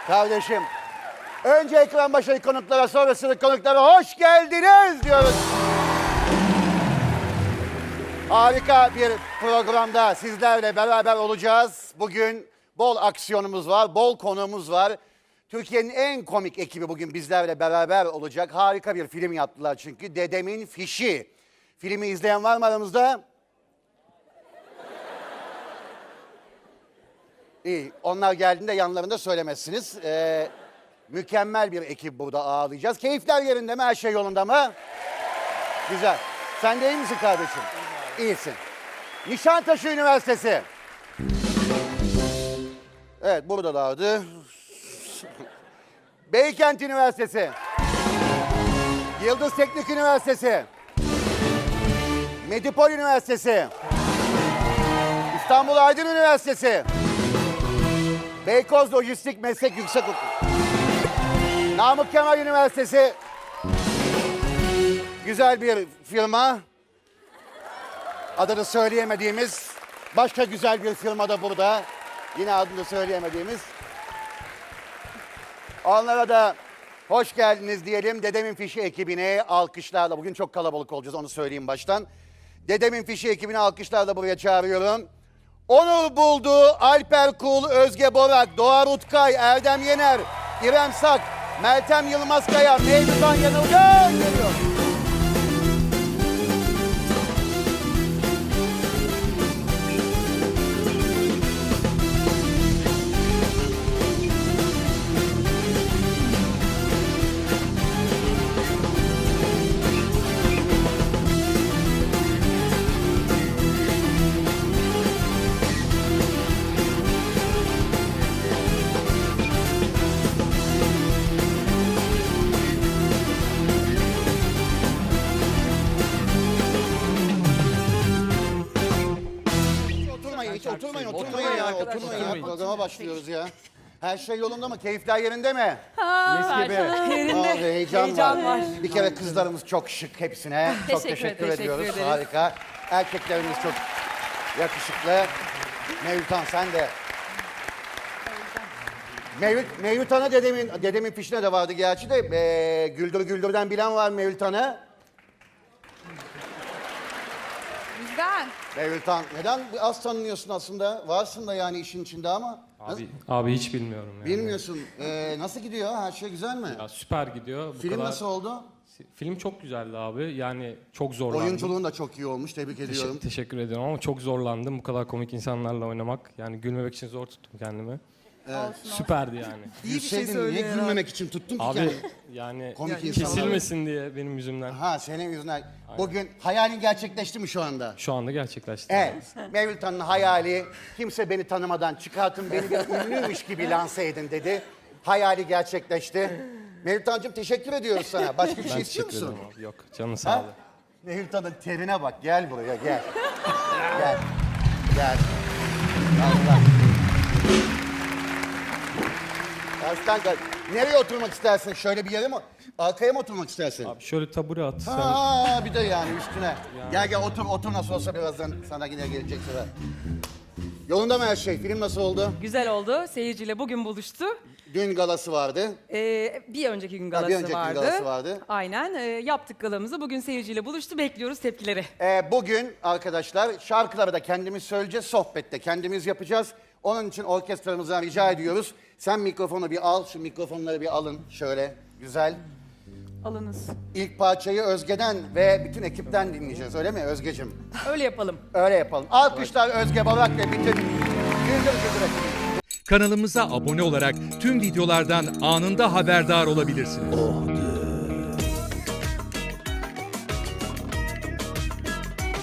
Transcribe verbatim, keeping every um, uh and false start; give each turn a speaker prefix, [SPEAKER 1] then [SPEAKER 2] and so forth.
[SPEAKER 1] Kardeşim, önce ekran başındaki konuklara, sonrasındaki konuklara hoş geldiniz diyoruz. Harika bir programda sizlerle beraber olacağız. Bugün bol aksiyonumuz var, bol konuğumuz var. Türkiye'nin en komik ekibi bugün bizlerle beraber olacak. Harika bir film yaptılar çünkü. Dedemin Fişi. Filmi izleyen var mı aramızda? İyi, onlar geldiğinde yanlarında söylemezsiniz. Ee, mükemmel bir ekip burada ağırlayacağız. Keyifler yerinde mi? Her şey yolunda mı? Güzel. Sen de iyi misin kardeşim? İyisin. Nişantaşı Üniversitesi. Evet, buradalardı. Beykent Üniversitesi. Yıldız Teknik Üniversitesi. Medipol Üniversitesi. İstanbul Aydın Üniversitesi. Beykoz Lojistik Meslek Yüksekokulu. Namık Kemal Üniversitesi. Güzel bir firma. Adını söyleyemediğimiz başka güzel bir firma da burada. Yine adını söyleyemediğimiz. Onlara da hoş geldiniz diyelim. Dedemin Fişi ekibine alkışlarla. Bugün çok kalabalık olacağız, onu söyleyeyim baştan. Dedemin Fişi ekibine alkışlarla buraya çağırıyorum. Onur Buldu, Alper Kul, Özge Borak, Doğa Rutkay, Erdem Yener, İrem Sak, Meltem Yılmazkaya, Mevlütan Yanılgan geliyor. Hiç oturmayın, oturmayın ya, oturmayın ya. Programa başlıyoruz ya. Her şey yolunda mı? Keyifler yerinde mi?
[SPEAKER 2] Ha,
[SPEAKER 1] Mis gibi.
[SPEAKER 2] yerinde.
[SPEAKER 1] Aa, heyecan,
[SPEAKER 2] Heyecan
[SPEAKER 1] var.
[SPEAKER 2] var.
[SPEAKER 1] Bir kere kızlarımız çok şık hepsine. Çok
[SPEAKER 2] Teşekkür,
[SPEAKER 1] teşekkür,
[SPEAKER 2] teşekkür
[SPEAKER 1] ediyoruz.
[SPEAKER 2] ederiz.
[SPEAKER 1] Harika. Erkeklerimiz çok yakışıklı. Mevlütan sen de. Mevlüt, Mevlütan'a dedemin, dedemin fişine de vardı gerçi de. Ee, Güldür Güldür'den bilen var Mevlütan'ı.
[SPEAKER 2] Bizden.
[SPEAKER 1] Mevlütan, neden az tanınıyorsun aslında? Varsın da yani işin içinde ama.
[SPEAKER 3] Abi, abi hiç bilmiyorum yani.
[SPEAKER 1] Bilmiyorsun. Ee, nasıl gidiyor? Her şey güzel mi?
[SPEAKER 3] Ya süper gidiyor. Bu
[SPEAKER 1] Film
[SPEAKER 3] kadar...
[SPEAKER 1] nasıl oldu?
[SPEAKER 3] Film çok güzeldi abi. Yani çok zorlandım.
[SPEAKER 1] Oyunculuğun da çok iyi olmuş. Tebrik
[SPEAKER 3] Teşekkür,
[SPEAKER 1] ediyorum.
[SPEAKER 3] teşekkür ediyorum ama çok zorlandım. Bu kadar komik insanlarla oynamak. Yani gülmemek için zor tuttum kendimi.
[SPEAKER 1] Evet.
[SPEAKER 3] Süperdi yani.
[SPEAKER 1] İyi bir şey niye gülmemek için tuttun ki
[SPEAKER 3] Abi
[SPEAKER 1] kendini?
[SPEAKER 3] yani
[SPEAKER 1] Komik insanlar.
[SPEAKER 3] kesilmesin diye benim yüzümden.
[SPEAKER 1] Ha, senin yüzünden. Bugün hayalin gerçekleşti mi şu anda?
[SPEAKER 3] Şu anda gerçekleşti.
[SPEAKER 1] Evet. Mevlütan'ın hayali, kimse beni tanımadan çıkartın, beni bir ünlüymüş gibi lanse edin dedi. Hayali gerçekleşti. Mevlütan'cığım teşekkür ediyoruz sana. Başka bir
[SPEAKER 3] Ben
[SPEAKER 1] şey istiyor
[SPEAKER 3] teşekkür
[SPEAKER 1] musun?
[SPEAKER 3] ederim abi. Yok canı sağ
[SPEAKER 1] Ha?
[SPEAKER 3] ol.
[SPEAKER 1] Mevlütan'ın terine bak. Gel buraya gel. Gel. Gel. Allah. Baştan gel. Nereye oturmak istersin? Şöyle bir yere mi? Arkaya mı oturmak istersin?
[SPEAKER 3] Abi şöyle tabure at. Sen...
[SPEAKER 1] Aa, bir de yani üstüne. Gel gel otur, otur nasıl olsa birazdan sana yine gelecek sıra. Yolunda mı her şey? Film nasıl oldu?
[SPEAKER 2] Güzel oldu. Seyirciyle bugün buluştu.
[SPEAKER 1] Dün galası vardı.
[SPEAKER 2] Ee, bir önceki gün
[SPEAKER 1] Ha,
[SPEAKER 2] galası
[SPEAKER 1] bir önceki gün
[SPEAKER 2] vardı.
[SPEAKER 1] galası vardı.
[SPEAKER 2] Aynen. Ee, yaptık galamızı. Bugün seyirciyle buluştu. Bekliyoruz tepkileri.
[SPEAKER 1] Ee, bugün arkadaşlar şarkıları da kendimiz söyleyeceğiz, sohbette kendimiz yapacağız. Onun için orkestramızdan rica ediyoruz. Sen mikrofonu bir al, şu mikrofonları bir alın şöyle güzel.
[SPEAKER 2] Alınız.
[SPEAKER 1] İlk parçayı Özge'den ve bütün ekipten dinleyeceğiz, öyle mi Özgeciğim?
[SPEAKER 2] Öyle yapalım.
[SPEAKER 1] Öyle yapalım. Alkışlar Özge Barak ve bütün Güldür Güldür ekibi.
[SPEAKER 4] Kanalımıza abone olarak tüm videolardan anında haberdar olabilirsiniz.